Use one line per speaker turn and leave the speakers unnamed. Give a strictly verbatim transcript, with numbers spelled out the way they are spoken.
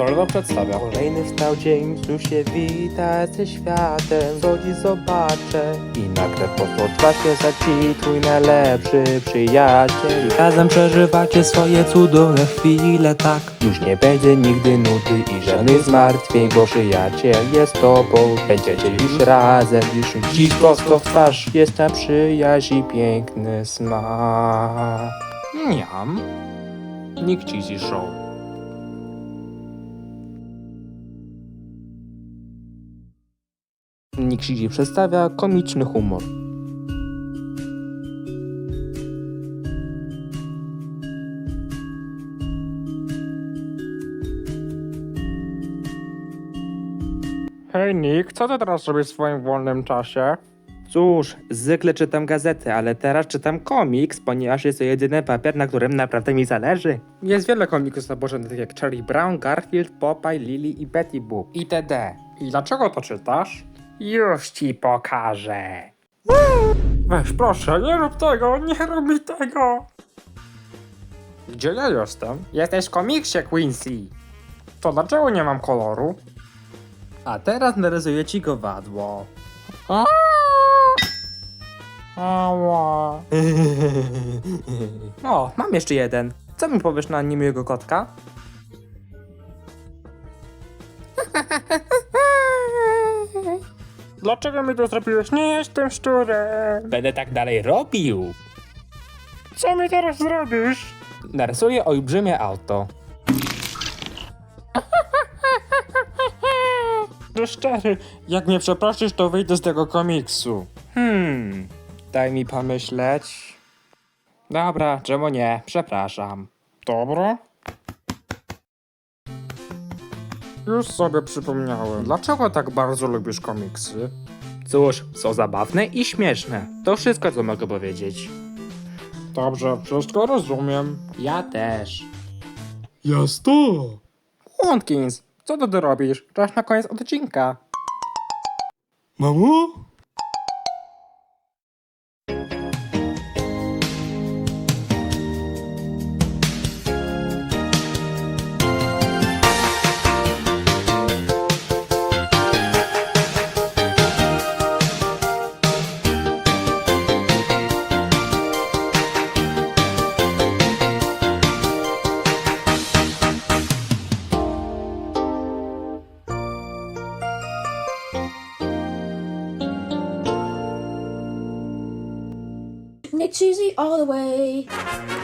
Konsolna przedstawia.
Kolejny wstał dzień, znów się wita ze światem. Co dziś zobaczę i nagle posłodwa się za ci twój najlepszy przyjaciel. I razem przeżywacie swoje cudowne chwile, tak. Już nie będzie nigdy nudy i żadnych zmartwień, bo przyjaciel jest tobą. Będziecie już razem, już dziś prosto w twarz. Jest ta przyjaźń i piękny smak.
Miam. Nick Cheesy Show.
Nick Cheesy przedstawia komiczny humor.
Hej Nick, co ty teraz robisz w swoim wolnym czasie?
Cóż, zwykle czytam gazety, ale teraz czytam komiks, ponieważ jest to jedyny papier, na którym naprawdę mi zależy.
Jest wiele komiksów zaburzonych jak Charlie Brown, Garfield, Popeye, Lily i Betty Boop itd. I dlaczego to czytasz? Już ci pokażę. Weź proszę, nie rób tego, nie rób mi tego. Gdzie ja jestem? Jesteś w komiksie, Quincy. To dlaczego nie mam koloru?
A teraz narysuję ci kowadło.
Ała.
O, mam jeszcze jeden. Co mi powiesz na niemiłego kotka?
Dlaczego mi to zrobiłeś? Nie jestem szczurem.
Będę tak dalej robił.
Co mi teraz zrobisz?
Narysuję olbrzymie auto.
No szczery, jak mnie przeprosisz, to wyjdę z tego komiksu.
Hmm, daj mi pomyśleć. Dobra, czemu nie? Przepraszam.
Dobra. Już sobie przypomniałem. Dlaczego tak bardzo lubisz komiksy?
Cóż, są zabawne i śmieszne. To wszystko, co mogę powiedzieć.
Dobrze, wszystko rozumiem.
Ja też.
Jasno.
Łąkins, co ty tu robisz? Czas na koniec odcinka.
Mamo?
Nick Cheesy all the way.